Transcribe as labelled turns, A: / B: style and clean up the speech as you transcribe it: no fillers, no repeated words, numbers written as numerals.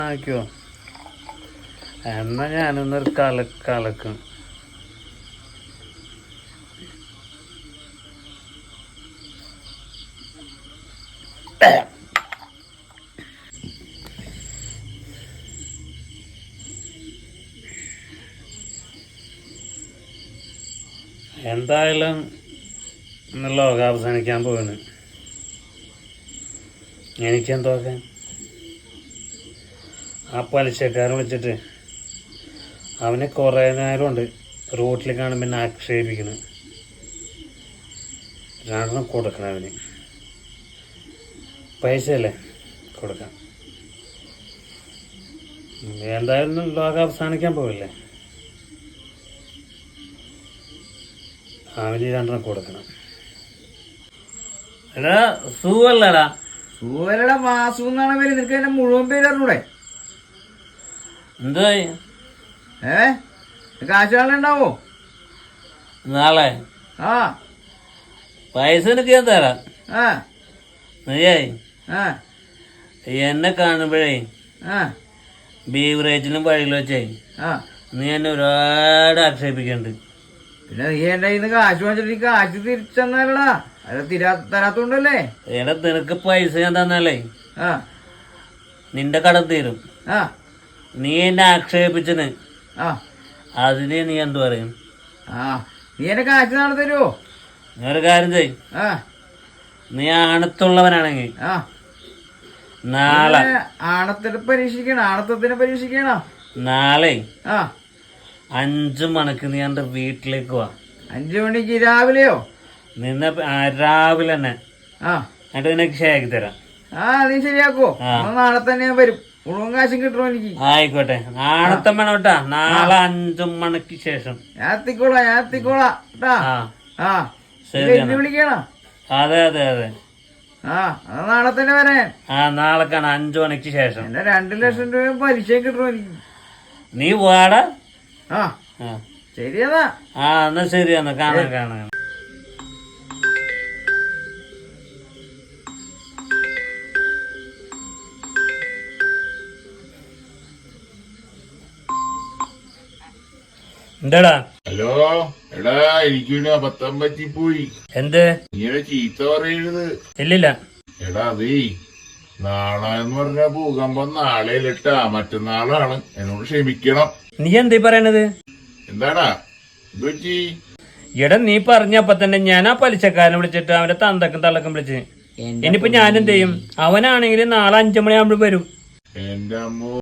A: ആക്കിയോ എന്നാ ഞാനൊന്നൊരു കലക്കും. എന്തായാലും ഇന്ന് ലോകം അവസാനിക്കാൻ പോവാണ്. എനിക്കെന്തോക്കാൻ ആ പലിശക്കാരൻ വിളിച്ചിട്ട് അവനെ കുറേ നേരമുണ്ട് റോട്ടിൽ കാണുമ്പോൾ എന്നെ ആക്ഷേപിക്കണം. രണ്ടെണ്ണം കൊടുക്കണം അവന്. പൈസയല്ലേ കൊടുക്കാം. എന്തായാലും ലോകം അവസാനിക്കാൻ പോവില്ലേ, അവന് രണ്ടെണ്ണം കൊടുക്കണം. എടാ സുഖല്ലടാ.
B: സുഖല്ലടാ വാസു എന്നാണ് പേര്. നിനക്ക് എന്നെ മുഴുവൻ പേര് അറിഞ്ഞൂടെ?
A: എന്തായി
B: കാശുണ്ടാവോ
A: നാളെ?
B: ആ
A: പൈസ എനിക്ക് ഞാൻ തരാം.
B: ആ
A: നീയായി
B: ആ
A: എന്നെ കാണുമ്പോഴേ
B: ആ
A: ബീവറേജിലും വഴിയിൽ വെച്ചേ
B: ആ
A: നീ എന്നെ ഒരുപാട് ആക്ഷേപിക്കുന്നുണ്ട്.
B: പിന്നെ നീ എന്റെ കയ്യിൽ നിന്ന് കാശ് വാങ്ങിച്ചിട്ട് കാശ് തിരിച്ചെന്നാലടാ. അത് തരാത്തോണ്ടല്ലേ.
A: എടാ നിനക്ക് പൈസ ഞാൻ തന്നാലേ
B: ആ
A: നിന്റെ കടം തീരും.
B: ആ
A: നീ എന്നെ ആക്ഷേപിച്ചന്
B: ആ
A: അതിന് നീ എന്തു പറയും?
B: ആ നീ എന്നെ കാശ് നാളെ തരുമോ?
A: നീ ഒരു കാര്യം ചെയ്.
B: ആ
A: നീ ആണത്തുള്ളവനാണെങ്കിൽ
B: ആ
A: നാളെ
B: ആണത്തത്തിന് പരീക്ഷിക്കണം.
A: നാളെ
B: ആ
A: 5 മണിക്ക് നീ എന്റെ വീട്ടിലേക്ക് വാ.
B: 5 മണിക്ക് രാവിലെയോ?
A: നിന്നെ രാവിലെ തന്നെ.
B: ആ
A: എന്നിട്ട് നിനക്ക് ശരിയാക്കി തരാം.
B: ആ നീ ശരിയാക്കോ? നാളെ തന്നെ ഞാൻ വരും. മുഴുവൻ കാശും കിട്ടുമോ എനിക്ക്?
A: ആയിക്കോട്ടെ. നാളത്തെ വേണം കേട്ടാ. നാളെ 5 മണിക്ക് ശേഷം
B: ഞാൻ എത്തിക്കോളാം കേട്ടാ. ആ
A: ശരി.
B: വിളിക്കണം.
A: അതെ അതെ അതെ.
B: ആ നാളെ തന്നെ വരാൻ.
A: നാളെ കാണാം 5 മണിക്ക് ശേഷം.
B: എന്നെ 2 ലക്ഷം രൂപ പലിശ കിട്ടുമോ എനിക്ക്?
A: നീ വാടാ.
B: ആ ശരിയെന്നാ.
A: എന്നാ ശരിയെന്നാ. കാണാം. എന്താടാ?
C: ഹലോ എടാ, എനിക്കൊരു അബദ്ധം പറ്റിപ്പോയി.
A: എന്ത്?
C: നീ ചീത്ത പറയരുത്.
A: ഇല്ലില്ല.
C: എടാ അതേ, നാളെ എന്ന് പറഞ്ഞ ഭൂകമ്പം നാളെ ഇല്ലട്ടാ, മറ്റന്നാളാണ്. എന്നോട് ക്ഷമിക്കണം.
A: നീ എന്തീ പറയണത്?
C: എന്താടാ ഇത് പറ്റി?
A: എടാ നീ പറഞ്ഞപ്പോ തന്നെ ഞാൻ ആ പലിശക്കാരനെ വിളിച്ചിട്ട് അവന്റെ തന്തക്കും തള്ളക്കും വിളിച്ച്. ഇനിയിപ്പോ ഞാൻ എന്ത് ചെയ്യും? അവനാണെങ്കിൽ നാളെ 5 മണിയാകുമ്പോൾ വരും.
C: എന്റെ അമ്മോ.